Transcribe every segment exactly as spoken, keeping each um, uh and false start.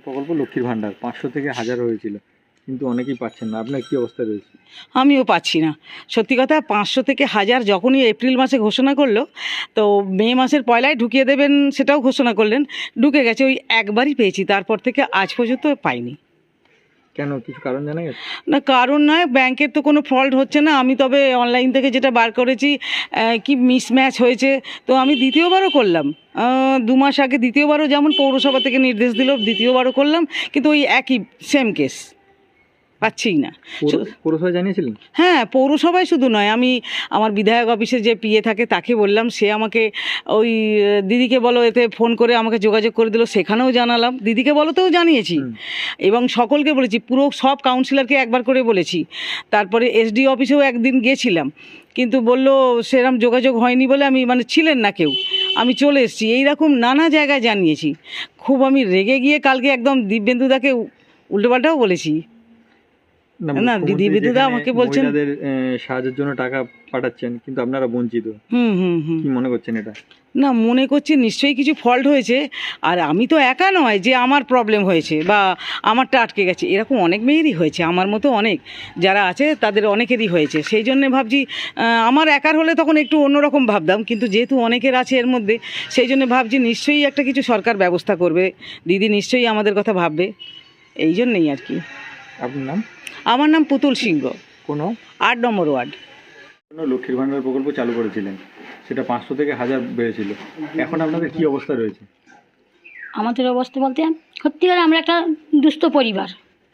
প্রকল্প লক্ষ্মীর ভাণ্ডার পাঁচশো থেকে হাজার হয়েছিল, কিন্তু অনেকেই পাচ্ছেন না। আপনার কী অবস্থা রয়েছে? আমিও পাচ্ছি না, সত্যি কথা। পাঁচশো থেকে হাজার যখনই এপ্রিল মাসে ঘোষণা করলো, তো মে মাসের পয়লায় ঢুকিয়ে দেবেন সেটাও ঘোষণা করলেন, ঢুকে গেছে। ওই একবারই পেয়েছি, তারপর থেকে আজ পর্যন্ত পাইনি। কেন, কিছু কারণ জানা গেছে? না, কারণ নয়, ব্যাংকের তো কোনো ফল্ট হচ্ছে না। আমি তবে অনলাইন থেকে যেটা বার করেছি কি মিসম্যাচ হয়েছে, তো আমি দ্বিতীয়বারও করলাম। দু মাস আগে দ্বিতীয়বারও যেমন পৌরসভা থেকে নির্দেশ দিল, দ্বিতীয়বারও করলাম, কিন্তু ওই একই সেম কেস, পাচ্ছিই না। পৌরসভায় জানিয়েছিলেন? হ্যাঁ, পৌরসভায় শুধু নয়, আমি আমার বিধায়ক অফিসে যে পিএ থাকে তাকে বললাম, সে আমাকে ওই দিদিকে বলো এতে ফোন করে আমাকে যোগাযোগ করে দিল, সেখানেও জানালাম, দিদিকে বলোতেও জানিয়েছি, এবং সকলকে বলেছি, পুরো সব কাউন্সিলরকে একবার করে বলেছি। তারপরে এসডি অফিসেও একদিন গিয়েছিলাম, কিন্তু বলল সেরকম যোগাযোগ হয়নি বলে, আমি মানে ছিলেন না কেউ, আমি চলে এসেছি। এইরকম নানা জায়গায় জানিয়েছি। খুব আমি রেগে গিয়ে কালকে একদম দিব্যেন্দুদাকে উল্টোপাল্টাও বলেছি। না, দিদি বিদুদা আমাকে বলছেন মহিলাদের সাহায্যের জন্য টাকা পাঠাচ্ছেন, কিন্তু আপনারা বঞ্চিত। হুম হুম হুম কি মনে করছেন এটা? না, মনে করছি নিশ্চয়ই কিছু ফল্ট হয়েছে। আর আমি তো একা নয় যে আমার প্রবলেম হয়েছে বা আমারটা আটকে গেছে, এরকম অনেক মেয়েরই হয়েছে, আমার মতো অনেক যারা আছে তাদের অনেকেরই হয়েছে। সেই জন্যে ভাবছি, আমার একার হলে তখন একটু অন্যরকম ভাবতাম, কিন্তু যেহেতু অনেকের আছে এর মধ্যে, সেই জন্য ভাবছি নিশ্চয়ই একটা কিছু সরকার ব্যবস্থা করবে, দিদি নিশ্চয়ই আমাদের কথা ভাববে, এই জন্যেই আর কি। আপনার নাম? আমার নাম পুতুল সিংহ, কোনো আট নম্বর ওয়ার্ড। লক্ষ্মীর ভাণ্ডার প্রকল্প চালু করেছিলেন, সেটা পাঁচশো থেকে হাজার বেড়েছিল, এখন আপনাদের কি অবস্থা রয়েছে? আমাদের অবস্থা বলতে সত্যিকারে আমরা একটা দুস্থ পরিবার,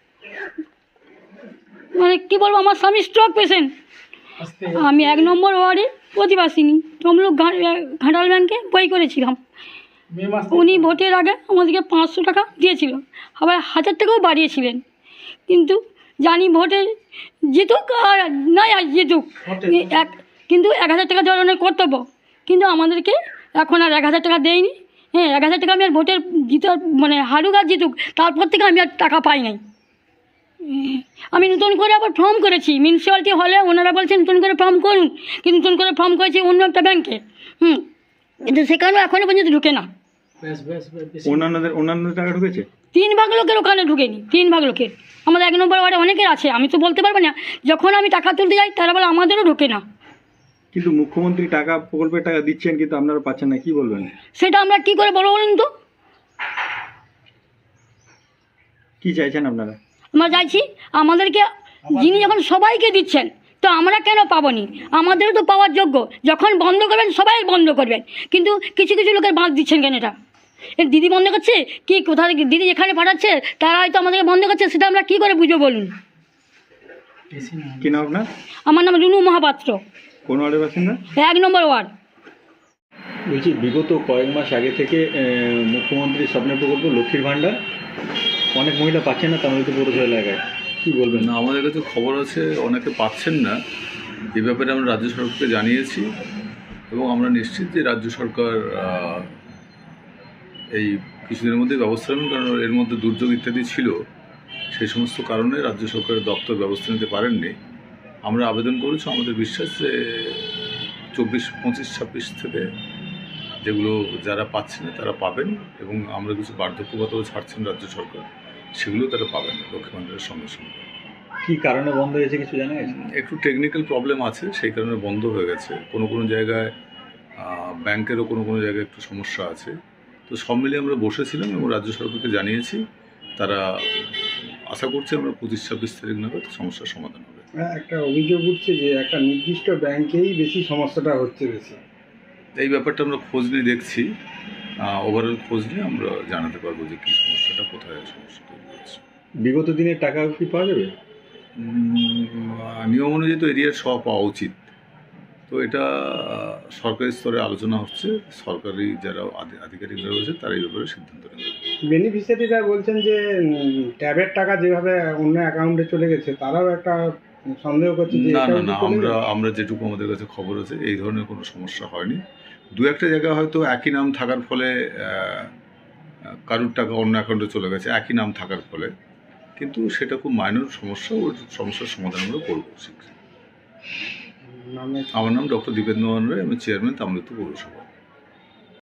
মানে কী বলবো, আমার স্বামী স্ট্রোক পেশেন্ট, আমি এক নম্বর ওয়ার্ডে প্রতিবাসিনী, তমলুক ঘাটাল ব্যাংকে বই করেছিলাম। উনি ভোটের আগে আমাদেরকে পাঁচশো টাকা দিয়েছিল, আবার হাজার টাকাও বাড়িয়েছিলেন, কিন্তু জানি ভোটে জিতুক আর নয় আর জিতুক, এক কিন্তু এক হাজার টাকা দেওয়ার অনেক কর্তব্য, কিন্তু আমাদেরকে এখন আর এক হাজার টাকা দেয়নি। হ্যাঁ, এক হাজার টাকা আমি আর ভোটের জিতার মানে হারুক আর জিতুক, তারপর থেকে আমি আর টাকা পাই নাই। আমি নতুন করে আবার ফর্ম করেছি মিউনিসিপ্যালিটি হলে, ওনারা বলছেন নতুন করে ফর্ম করুন, কিন্তু নতুন করে ফর্ম করেছি অন্য একটা ব্যাংকে, হুম, কিন্তু সেখানেও এখনও পর্যন্ত ঢুকে না। অন্যান্যদের অন্যান্য টাকা ঢুকেছে, তিন ভাগ লোকের ওখানে ঢুকেনি, তিন ভাগ লোকের। আমাদের এক নম্বর ওয়ার্ডে অনেকের আছে, আমি তো বলতে পারবো না, যখন আমি টাকা তুলতে যাই তারা বলে আমাদেরও ঢোকে না। কিন্তু মুখ্যমন্ত্রী টাকা প্রকল্পের টাকা দিচ্ছেন, কিন্তু আপনারা পাচ্ছেন না, কি বলবেন? সেটা আমরা কি করে বলবো বলুন তো? কি চাইছেন আপনারা? আমরা চাইছি আমাদেরকে, যিনি যখন সবাইকে দিচ্ছেন, তো আমরা কেন পাবনি? আমাদেরও তো পাওয়ার যোগ্য। যখন বন্ধ করবেন সবাই বন্ধ করবেন, কিন্তু কিছু কিছু লোকের বাঁধ দিচ্ছেন কেন? এটা এর দিদি বন্ধ করছে কি, কোথা থেকে দিদি যেখানে পাঠাচ্ছে তারা হয়তো আমাদেরকে বন্ধ করছে, সেটা আমরা কি করে বুঝবো বলুন? কি নাম আপনার? আমার নাম রুনু মহাপাত্র, কোন ওয়ার্ডের বাসিন্দা? এক নম্বর ওয়ার্ড। বলছি, বিগত কয়েক মাস আগে থেকে মুখ্যমন্ত্রী স্বপ্নের প্রকল্প লক্ষ্মীর ভাণ্ডার অনেক মহিলা পাচ্ছেন না তামিলনাড়ু পৌরসভা এলাকায়, কি বলবেন? না, আমাদের কাছে খবর আছে অনেকে পাচ্ছেন না, এ ব্যাপারে আমরা রাজ্য সরকারকে জানিয়েছি, এবং আমরা নিশ্চিত যে রাজ্য সরকার এই কিছুদিনের মধ্যে ব্যবস্থা নেবেন, কারণ এর মধ্যে দুর্যোগ ইত্যাদি ছিল, সেই সমস্ত কারণে রাজ্য সরকারের দপ্তর ব্যবস্থা নিতে পারেননি। আমরা আবেদন করেছি, আমাদের বিশ্বাস যে চব্বিশ পঁচিশ ছাব্বিশ থেকে যেগুলো যারা পাচ্ছেন না তারা পাবেন, এবং আমরা কিছু বার্ধক্যগতও ছাড়ছেন রাজ্য সরকার, সেগুলো তারা পাবেন লক্ষ্মী ভাণ্ডারের সঙ্গে সঙ্গে। কী কারণে বন্ধ হয়েছে কিছু জানা গেছে? একটু টেকনিক্যাল প্রবলেম আছে, সেই কারণে বন্ধ হয়ে গেছে। কোনো কোনো জায়গায় ব্যাংকেরও কোনো কোনো জায়গায় একটু সমস্যা আছে, তো সব মিলিয়ে আমরা বসেছিলাম এবং রাজ্য সরকারকে জানিয়েছি, তারা আশা করছে আমরা পঁচিশ ছাব্বিশ তারিখ নাগাদ সমস্যার সমাধান হবে। একটা অভিযোগ উঠছে যে একটা নির্দিষ্ট ব্যাংকেই বেশি সমস্যাটা হচ্ছে বেশি, এই ব্যাপারটা আমরা খোঁজ নিয়ে দেখছি, ওভারঅল খোঁজ নিয়ে আমরা জানাতে পারবো যে কী সমস্যাটা, কোথায় সমস্যা তৈরি হচ্ছে। বিগত দিনের টাকা কি পাওয়া যাবে? নিয়ম অনুযায়ী তো এরিয়ার সব পাওয়া উচিত, তো এটা সরকারি স্তরে আলোচনা হচ্ছে, সরকারি যারা আধিকারিকরা রয়েছে তারা এই ব্যাপারে সিদ্ধান্ত নেবে। বেনিফিশিয়ারিরা বলছেন যে ট্যাবের টাকা যেভাবে অন্য অ্যাকাউন্টে চলে গেছে, তারাও একটা সন্দেহ করছে যে না না না আমরা আমরা যেটুকু আমাদের কাছে খবর আছে এই ধরনের কোনো সমস্যা হয়নি। দু একটা জায়গায় হয়তো একই নাম থাকার ফলে কারুর টাকা অন্য অ্যাকাউন্টে চলে গেছে, একই নাম থাকার ফলে, কিন্তু সেটা খুব মাইনর সমস্যা, ওর সমস্যার সমাধান আমরা করবো শীঘ্রই। আমার নাম ডক্টর দীপেন্দ্র মোহন রায়, আমি চেয়ারম্যান তামিলনাড়ু পৌরসভা।